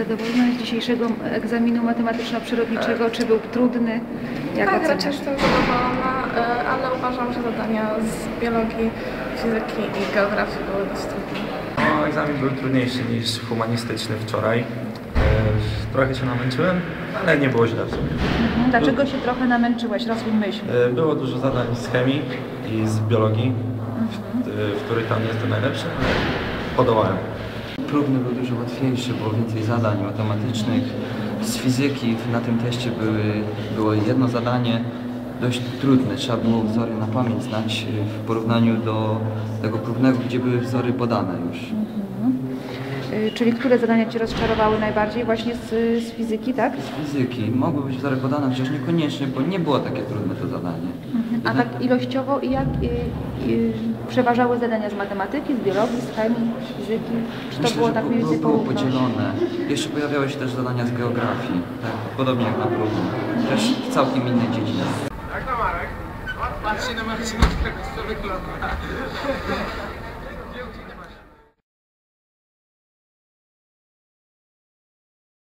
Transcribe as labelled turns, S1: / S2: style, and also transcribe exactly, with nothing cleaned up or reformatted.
S1: zadowolona z dzisiejszego egzaminu matematyczno-przyrodniczego? Czy był trudny? Jak
S2: Tak,
S1: oceniasz?
S2: raczej jestem zadowolona, e, ale uważam, że zadania z biologii, fizyki i geografii były dość trudne.
S3: No, egzamin był trudniejszy niż humanistyczny wczoraj. E, Trochę się namęczyłem, ale nie było źle w sumie.
S1: Mhm. Dlaczego się trochę namęczyłeś? Rozwój myśl.
S3: E, Było dużo zadań z chemii i z biologii, w, w których tam nie jestem najlepszy, ale podołałem.
S4: Próbny był dużo łatwiejszy, było więcej zadań matematycznych. Z fizyki na tym teście były, było jedno zadanie dość trudne. Trzeba było wzory na pamięć znać w porównaniu do tego próbnego, gdzie były wzory podane już.
S1: Y, Czyli które zadania Cię rozczarowały najbardziej? Właśnie z, z fizyki, tak?
S4: Z fizyki mogły być wzory podane, chociaż niekoniecznie, bo nie było takie trudne to zadanie.
S1: A tak ilościowo i jak y, y, przeważały zadania z matematyki, z biologii, z chemii, z fizyki? Czy to
S4: Myślę,
S1: było
S4: że
S1: tak
S4: było,
S1: mniej więcej
S4: było
S1: porówno?
S4: podzielone. Jeszcze pojawiały się też zadania z geografii, tak, podobnie jak na próbie. Też w całkiem innej dziedzinie.
S5: Jak to Marek? Patrzcie na Marcina, jak to wygląda.